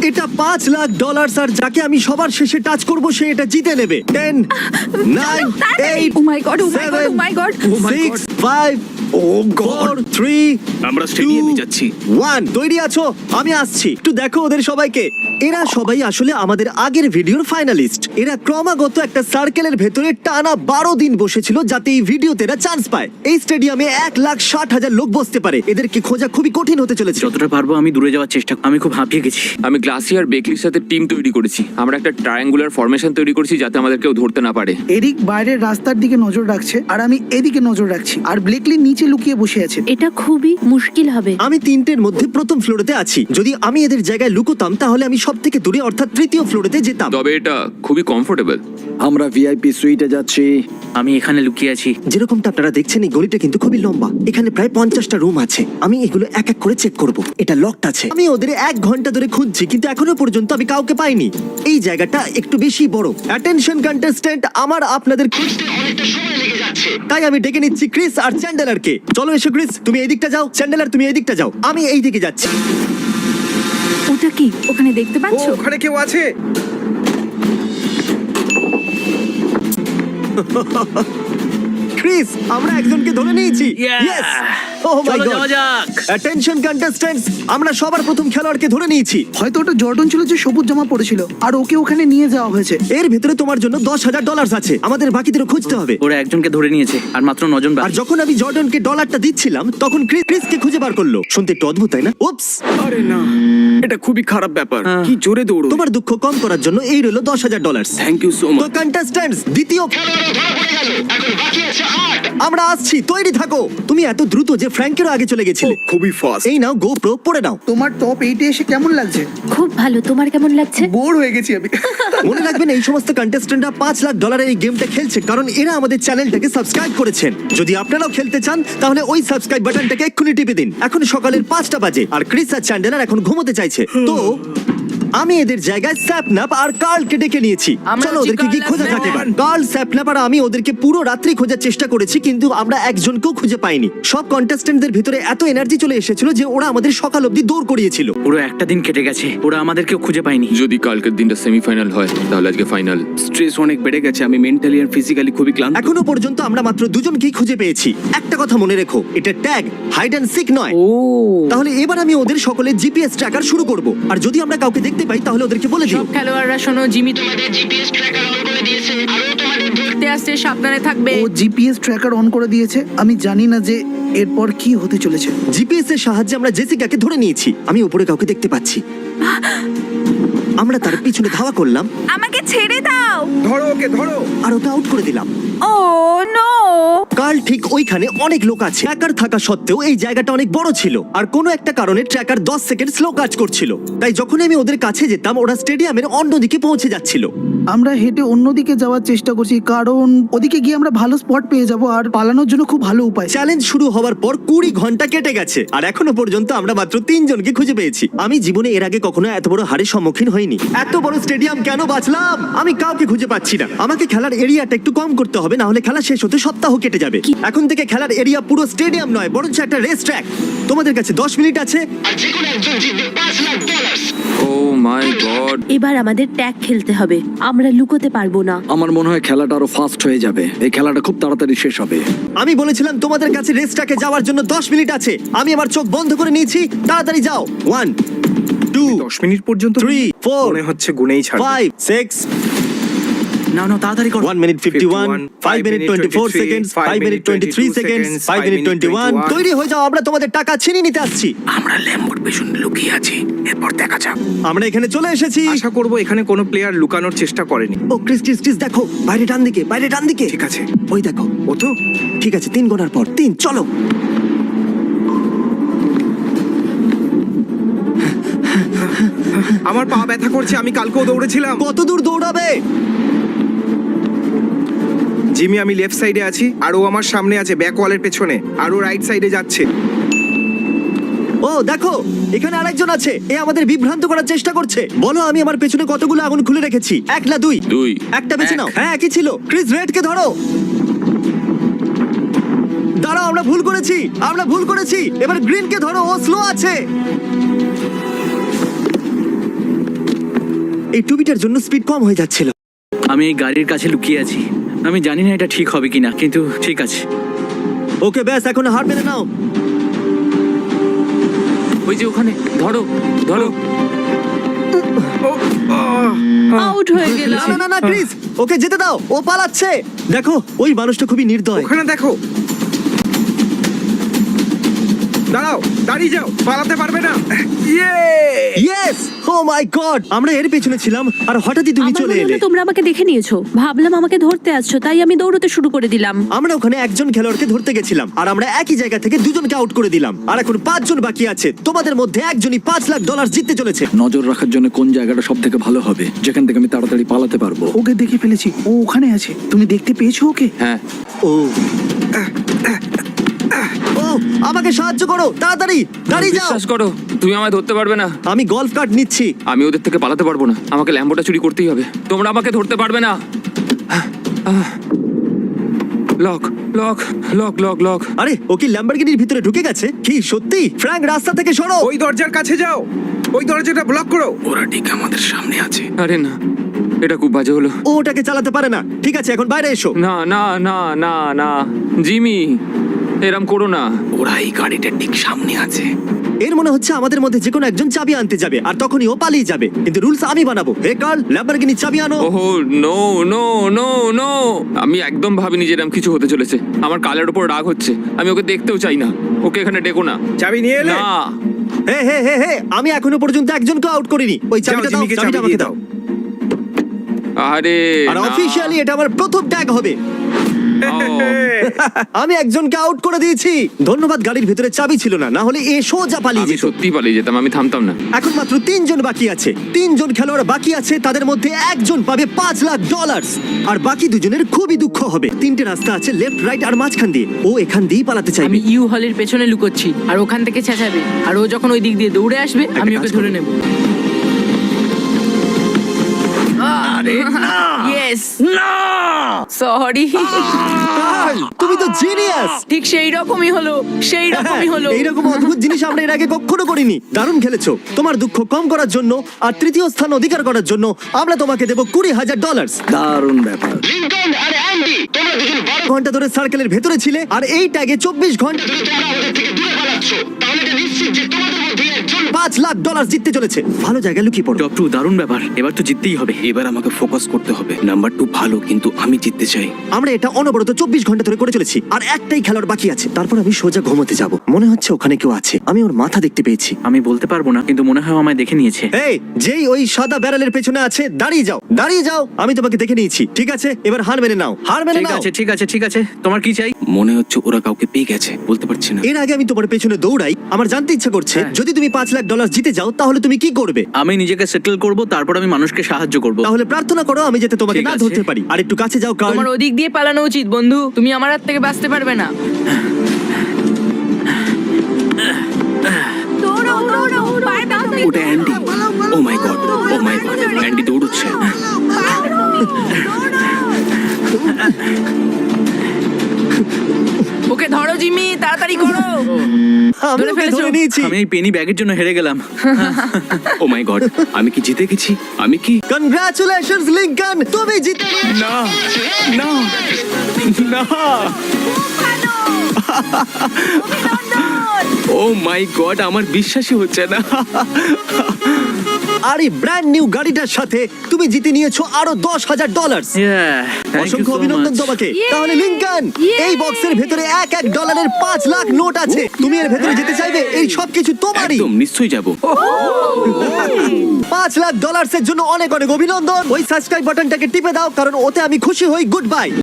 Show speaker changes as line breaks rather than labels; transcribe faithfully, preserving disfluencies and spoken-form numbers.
এটা পাঁচ লাখ ডলার আর যাকে আমি সবার শেষে টাচ করব সে এটা জিতে নেবে। Ten, nine, eight,
Oh my God, oh my God, oh my God.
Six, five, four, three,
আমরা স্টেডিয়ামে যাচ্ছি।
ওয়ান। তৈরি আছো? আমি আসছি। একটু দেখো ওদের সবাইকে। এরা সবাই আসলে আমাদের আগের ভিডিওর ফাইনালিস্ট। এরা ক্রমাগত একটা সার্কেলের ভেতরে টানা বারো দিন বসেছিল যাতে এই ভিডিওতে এরা চান্স পায়। এই স্টেডিয়ামে এক লাখ ষাট হাজার লোক বসতে পারে। এদেরকে খোঁজা খুবই কঠিন হতে চলেছে।
যতটা পারবো আমি দূরে যাওয়ার চেষ্টা, আমি খুব হাঁপিয়ে গেছি।
আমি গ্লাসি আর বেকলির সাথে টিম তৈরি করেছি। আমরা একটা ট্রায়াঙ্গুলার ফরমেশন তৈরি করেছি যাতে আমাদের কেউ ধরতে না পারে।
এরিক বাইরের রাস্তার দিকে নজর রাখছে আর আমি এদিকে নজর রাখছি, আর ব্লেকলি নিচে লুকিয়ে বসে আছে।
এটা খুবই মুশকিল হবে।
আমি তিনটের মধ্যে প্রথম ফ্লোরেতে আছি। যদি আমি এদের জায়গায় লুকোতাম তাহলে আমি সব থেকে দূরে অর্থাৎ তৃতীয় ফ্লোরেতে যেতাম।
তবে এটা খুবই কমফোর্টেবল।
আমরা ভিআইপি সুইটে যাচ্ছি।
আমি এখানে লুকিয়ে আছি।
যেরকমটা আপনারা দেখছেন এই গলিটা কিন্তু খুবই লম্বা। এখানে প্রায় পঞ্চাশটা রুম আছে। আমি এগুলো এক এক করে চেক করব। এটা লকড আছে। আমি ওদের এক ঘন্টা ধরে খুঁজছি কিন্তু এখনো পর্যন্ত আমি কাউকে পাইনি। এই জায়গাটা একটু বেশি বড়। অ্যাটেনশন কন্টেস্ট্যান্ট, আমার আপনাদের খুঁজতে অনেকটা সময় লেগে যাচ্ছে। তাই আমি ডেকে নিচ্ছি ক্রিস আর চ্যান্ডেলারকে। চলো এসো ক্রিস, তুমি এই দিকটা যাও, চ্যান্ডেলার তুমি এই দিকটা যাও, আমি এই দিকে যাচ্ছি।
ওটা কি ওখানে দেখতে পাচ্ছ?
ওখানে কেউ আছে?
ক্রিস, আমরা একজনকে ধরে নিয়েছি।
Yeah!
Yes! Oh my
চলো
God!
যাওয়া যাক।
Attention contestants, আমরা সবার প্রথম খেলোয়াড়কে ধরে নিয়েছি।
হয়তো ওটা জর্ডন ছিল যে সবুজ জামা পড়েছিল, আর ওকে ওখানে নিয়ে যাওয়া হয়েছে।
এর ভেতরে তোমার জন্য দশ হাজার ডলার আছে। আমাদের বাকিদেরও খুঁজতে হবে।
ওরা একজনকে ধরে নিয়েছে আর মাত্র নজন
আর
বাকি।
যখন আমি জর্ডনকে ডলারটা দিচ্ছিলাম তখন ক্রিস ক্রিসকে খুঁজে বার করলো। শুনতে একটু অদ্ভুত তাই না? উপস,
আরে না, এটা খুবই খারাপ ব্যাপার। কি জোরে দৌড়ো।
তোমার দুঃখ কম করার জন্য এই রইলো দশ হাজার ডলার।
থ্যাংক ইউ সো
তো
মাচ।
কন্টেস্ট্যান্টস, দ্বিতীয় খেলোয়াড়ও ধরা পড়ে গেল। এখন বাকি আছে আট। আমরা আসছি, তৈরি থাকো। তুমি এত দ্রুত যে ফ্র্যাঙ্কেরও আগে চলে গেছিলে।
খুবই ফাস্ট।
এই নাও গোপ্রো, পড়ে নাও।
তোমার টপ এইটে এসে কেমন লাগছে?
খুব ভালো। তোমার কেমন লাগছে?
বোর হয়ে গেছি আমি।
মনে রাখবেন এই সমস্ত কন্টেস্ট্যান্টরা পাঁচ লাখ ডলারের এই গেমটা খেলছে কারণ এরা আমাদের চ্যানেলটাকে সাবস্ক্রাইব করেছেন। যদি আপনারাও খেলতে চান তাহলে ওই সাবস্ক্রাইব বাটনটাকে এক্ষুনি টিপে দিন। এখন সকালের পাঁচটা বাজে আর ক্রিস আর চ্যান্ডেলার এখন ঘুমোতে চাইছে। তো আমি এদের জায়গায় স্যাপনাপ আর কার্লকে ডেকে নিয়েছি। চলো ওদেরকে কি খোঁজা যাক এবার। কার্ল, স্যাপনাপ আর আমি ওদেরকে পুরো রাত্রি খোঁজার চেষ্টা করেছি কিন্তু আমরা একজনকেও খুঁজে পাইনি। সব কন্টেস্ট্যান্টদের ভিতরে এত এনার্জি চলে এসেছিল যে ওরা আমাদের সকাল অবধি দৌড় করিয়েছিল।
পুরো একটা দিন কেটে গেছে, ওরা আমাদেরকেও খুঁজে পায়নি।
যদি কালকের দিনটা সেমিফাইনাল হয় তাহলে আজকে ফাইনাল।
স্ট্রেস অনেক বেড়ে গেছে, আমি মেন্টালি আর ফিজিক্যালি খুবই ক্লান্ত।
এখনো পর্যন্ত আমরা মাত্র দুজনকেই খুঁজে পেয়েছি। একটা কথা মনে রেখো, এটা ট্যাগ, হাইড অ্যান্ড সিক নয়।
ও
তাহলে এবার আমি ওদের সকলের জিপিএস ট্র্যাকার শুরু করব আর যদি আমরা কাউকে দেখতে পাই তাহলে ওদেরকে বলে দিও।
সব খেলোয়াড়রা শোনো, জিমি তোমাদের জিপিএস ট্র্যাকার অন করে দিয়েছে আর ও তোমাদের ধরতে আসছে, সাবধানে থাকবে।
ও জিপিএস ট্র্যাকার অন করে দিয়েছে। আমি জানি না যে এরপর কি হতে চলেছে।
জিপিএস এর সাহায্যে আমরা জেসিকাকে ধরে নিয়েছি। আমি উপরে কাউকে দেখতে পাচ্ছি। আমরা তার পিছনে ধাওয়া করলাম
আমাকে ছেড়ে দাও।
ধরো ওকে, ধরো।
আর ওকে আউট করে দিলাম।
ও নো!
কার্ল ঠিক ওইখানে অনেক লোক আছে। ট্র্যাকার থাকা সত্ত্বেও এই জায়গাটা অনেক বড় ছিল আর কোনো একটা কারণে ট্র্যাকার দশ সেকেন্ড স্লো কাজ করছিল। তাই যখন আমি ওদের কাছে যেতাম ওরা স্টেডিয়ামের অন্যদিকে পৌঁছে যাচ্ছিল।
আমরা হেঁটে অন্যদিকে যাওয়ার চেষ্টা করছি কারণ ওদিকে গিয়ে আমরা ভালো স্পট পেয়ে যাব আর পালানোর জন্য খুব ভালো উপায়।
চ্যালেঞ্জ শুরু হওয়ার পর কুড়ি ঘন্টা কেটে গেছে আর এখনো পর্যন্ত আমরা মাত্র তিনজনকে খুঁজে পেয়েছি। আমি জীবনে এর আগে কখনো এত বড় হারের সম্মুখীন হইনি। এত বড় স্টেডিয়াম কেন বাঁচলাম? আমি কাউকে খুঁজে পাচ্ছি না। আমাকে খেলার এরিয়াটা একটু কম করতে হবে, না হলে খেলা শেষ হতে সপ্তাহ কেটে যাবে। এখন থেকে খেলার এরিয়া পুরো স্টেডিয়াম নয় বরঞ্চ একটা রেস ট্র্যাক। তোমাদের কাছে দশ মিনিট আছে আর যে কোনো একজন জিতবে পাঁচ lakh dollar.
Oh my God.
এবার আমাদের ট্যাগ খেলতে হবে। আমরা লুকোতে পারবো না।
আমার মনে হয় খেলাটা আরো ফাস্ট হয়ে যাবে। এই খেলাটা খুব তাড়াতাড়ি শেষ হবে।
আমি বলেছিলাম তোমাদের কাছে রেসটাকে যাওয়ার জন্য দশ মিনিট আছে। আমি আমার চোখ বন্ধ করে নিয়েছি। তাড়াতাড়ি যাও। ওয়ান, টু,
দশ মিনিট পর্যন্ত
থ্রি, ফোর,
মনে হচ্ছে গুনেই ছাড়বে।
ফাইভ, সিক্স,
না না তাড়াতাড়ি করো।
one minute fifty-one, five minute twenty-four seconds, five minute twenty-three seconds, five minute twenty-one. তৈরি হয়ে যাও, আমরা তোমাদের টাকা ছিনিয়ে নিতে আসছি।
আমরা ল্যাম্বোর পেছনে লুকিয়ে আছি, এরপর দেখা যাক।
আমরা এখানে চলে এসেছি।
আশা করবো এখানে কোনো প্লেয়ার লুকানোর চেষ্টা করেনি।
ও ক্রিস ক্রিস ক্রিস দেখো, বাইরে ডান দিকে, বাইরে ডান দিকে।
ঠিক আছে,
ওই দেখো।
ও তো
ঠিক আছে, তিন গোনার পর তিন, চলো।
আমার পা ব্যথা করছে, আমি কালকেও দৌড়েছিলাম।
কত দূর দৌড়াবে?
জিমি, আমি লেফট সাইডে আছি আর ও আমার সামনে আছে ব্যাক ওয়ালের পেছনে, আর ও রাইট সাইডে যাচ্ছে।
ও দেখো, এখানে আরেকজন আছে। এ আমাদের বিভ্রান্ত করার চেষ্টা করছে। বলো আমি আমার পেছনে কতগুলো আগুন খুলে রেখেছি? এক না দুই?
দুই।
একটা বেছে
এক।
নাও। হ্যাঁ, একই ছিল। ক্রিস রেডকে ধরো। দাঁড়াও, আমরা ভুল করেছি, আমরা ভুল করেছি। এবার গ্রিনকে ধরো, ও স্লো আছে। এই টুবিটার জন্য স্পিড কম হয়ে যাচ্ছিল।
আমি এই গাড়ির কাছে লুকিয়ে আছি। আমি জানি না এটা ঠিক হবে কিনা, কিন্তু ঠিক আছে।
ওকে ব্যাস, এখন হার মেনে নাও।
ওই যে ওখানে, ধরো ধরো।
আউট হয়ে গেলাম।
না না না ক্রিস, ওকে যেতে দাও, ও পালাচ্ছে। দেখো ওই মানুষটা খুবই নির্দয়।
ওখানে দেখো। দাঁড়াও, দাঁড়িয়ে যাও, পালাতে পারবে না। ইয়ে!
ইয়েস, ও মাই গড, আমরা এর পেছনে ছিলাম আর হঠাৎই তুমি
আমার
চলে
মনে
এলে।
হলো তোমরা আমাকে দেখে নিয়েছো, ভাবলাম আমাকে ধরতে আসছো, তাই আমি দৌড়তে শুরু করে দিলাম।
আমরা ওখানে একজন খেলোয়াড়কে ধরতে গেছিলাম আর আমরা একই জায়গা থেকে দুজনকে আউট করে দিলাম। আর এখন পাঁচজন বাকি আছে। তোমাদের মধ্যে একজনই পাঁচ লাখ ডলার জিততে চলেছে।
নজর রাখার জন্য কোন জায়গাটা সব থেকে ভালো হবে, যেখান থেকে আমি তাড়াতাড়ি পালাতে পারবো।
ওকে দেখে ফেলেছি, ও ওখানে আছে। তুমি দেখতে পেয়েছো ওকে?
হ্যাঁ,
ও ও আমাকে সাহায্য করো, তাড়াতাড়ি দাঁড়িয়ে যাও।
বিশ্বাস করো, তুমি আমায় ধরতে পারবে না।
আমি গলফ কার্ট নিচ্ছি।
আমি ওদের থেকে পালাতে পারবো না। আমাকে ল্যাম্বোটা চুরি করতেই হবে। তোমরা আমাকে ধরতে পারবে না। Lock lock lock lock lock.
আরে ও কি ল্যাম্বরগিনির ভিতরে ঢুকে গেছে? কি সত্যি? ফ্র্যাঙ্ক, রাস্তা থেকে সরো।
ওই দরজার কাছে যাও, ওই দরজাটা ব্লক করো।
ওরা ঠিক আমাদের সামনে আছে।
আরে না, এটা খুব বাজে হলো।
ও ওটাকে চালাতে পারে না। ঠিক আছে, এখন বাইরে এসো।
না না না না না জিমি, এরম করো না।
ওরা এই গাড়িটার ঠিক সামনে আছে।
এর মনে হচ্ছে আমাদের মধ্যে যে কোনো একজন চাবি আনতে যাবে আর তখনই ও পালিয়ে যাবে। কিন্তু রুলস আমি বানাবো। হে কার্ল, ল্যাম্বরগিনির চাবি আনো।
ওহো নো নো নো নো, আমি একদম ভাবিনি যে এরম কিছু হতে চলেছে। আমার কালের উপর রাগ হচ্ছে। আমি ওকে দেখতেও চাই না। ওকে এখানে ডেকো না।
চাবি নিয়ে এলে?
না,
হে হে হে হে, আমি এখনো পর্যন্ত একজনকে আউট করিনি। ওই
যাও,
চাবিটা দাও,
জিমিকে
চাবিটা
চাবি
আমাকে
দিয়ে
দাও।
দাও।
আরে
আর
না।
অফিশিয়ালি এটা আমার প্রথম ট্যাগ হবে।
ও,
আমি একজনকে আউট করে দিয়েছি। ধন্যবাদ, গাড়ির ভিতরে চাবি ছিল না, না হলে এ সোজা পালিয়ে
আমি
যেত।
সত্যি পালিয়ে যেতাম, আমি থামতাম না।
এখন মাত্র তিনজন বাকি আছে। তিনজন খেলোয়াড় বাকি আছে, তাদের মধ্যে একজন পাবে পাঁচ লাখ ডলার আর বাকি দুজনের খুবই দুঃখ হবে। তিনটে রাস্তা আছে, লেফট, রাইট আর মাঝখান দিয়ে। ও এখান দিয়েই পালাতে চাইবে।
আমি ইউ হলের পেছনে লুকোচ্ছি আর ওখান থেকে চেঁচাবে, আর ও যখন ওই দিক দিয়ে দৌড়ে আসবে আমি
কাজ
ওকে
করো।
ধরে নেব। ইয়েস না, সরি।
কার্ল, তুমি তো জিনিয়াস।
ঠিক সেই রকমই হলো, সেই রকমই হলো।
এইরকম অদ্ভুত জিনিস আমরা এর আগে কখনো করিনি। দারুণ খেলেছো। তোমার দুঃখ কম করার জন্য আর তৃতীয় স্থান অধিকার করার জন্য আমরা তোমাকে দেবো কুড়ি হাজার ডলার।
দারুণ ব্যাপার।
লিংকন আর অ্যান্ডি, তোমরা দুজন বারো ঘন্টা ধরে সার্কেলের ভেতরে ছিলে আর এই ট্যাগে চব্বিশ ঘন্টা ধরে তোমরা আমাদের থেকে দূরে পালাচ্ছ। তাহলে এটা নিশ্চিত যে তোমাদের মধ্যে একজন পাঁচ লাখ ডলার জিততে চলেছে। ভালো জায়গায় লুকিয়ে পড়ো।
টপ টু, দারুণ ব্যাপার। এবার তো জিততেই হবে। এবার আমাকে ফোকাস করতে হবে। নাম্বার টু ভালো, কিন্তু আমি জিততে চাই।
আমরা এটা অনবরত চব্বিশ ঘন্টা ধরে করে চলেছি আর একটাই খেলোয়াড় বাকি আছে। তারপর আমি সোজা ঘুমোতে যাব। মনে হচ্ছে ওখানে কেউ আছে। আমি ওর মাথা দেখতে পেয়েছি।
আমি বলতে পারবো না, কিন্তু মনে হয় ও আমায় দেখে নিয়েছে।
এই, যেই ওই সাদা ব্যারেলের পেছনে আছে, দাঁড়িয়ে যাও, দাঁড়িয়ে যাও। আমি তোমাকে দেখে নিয়েছি। ঠিক আছে, এবার হার মেনে নাও, হার মেনে
ঠিক
নাও।
আছে ঠিক আছে ঠিক আছে, তোমার কি চাই? মনে হচ্ছে ওরা কাউকে পেয়ে গেছে, বলতে পারছি না।
এর আগে আমি তোমার পেছনে দৌড়াই। আমার জানতে ইচ্ছা করছে,
হ্যাঁ।
যদি তুমি পাঁচ লাখ ডলার জিতে যাও তাহলে তুমি কি করবে?
আমি নিজেকে সেটেল করব, তারপর আমি মানুষকে সাহায্য করব।
তাহলে প্রার্থনা করো আমি যাতে তোমাকে
ঠিক
না
আছে।
ধরতে পারি। আর একটু কাছে যাও কার্ল।
তোমার ওদিক দিয়ে পালানো উচিত বন্ধু, তুমি আমার হাত থেকে বাঁচতে পারবে না।
ওটা Andy. Oh my God, oh my God, Andy দৌড়চ্ছে।
ওকে ধরো জিমি, তাড়াতাড়ি করো।
আমি
ধরে
ওকে
ফেলেছো?
ধরে নিয়েছি।
আমি এই পেনি ব্যাগের জন্য হেরে গেলাম। ও মাই গড, আমি কি জিতে গেছি? আমি কি?
কনগ্রাচুলেশনস লিংকন, তুমি জিতে গেছো।
না না না, ও মাই গড, আমার বিশ্বাসই হচ্ছে না।
আর এই ব্র্যান্ড নিউ গাড়িটার সাথে তুমি জিতে নিয়েছো আরো দশ হাজার ডলার। অসংখ্য অভিনন্দন তোমাকে। তাহলে লিংকন, এই বক্সের ভেতরে এক এক ডলারের পাঁচ লাখ নোট আছে। তুমি এর ভেতরে যেতে চাইবে? এই সব কিছু তোমারই।
একদম নিশ্চয়ই যাব।
পাঁচ লাখ ডলার্সের জন্য অনেক অনেক অভিনন্দন। ওই সাবস্ক্রাইব বাটনটাকে টিপে দাও, কারণ ওতে আমি খুশি হই। Good by.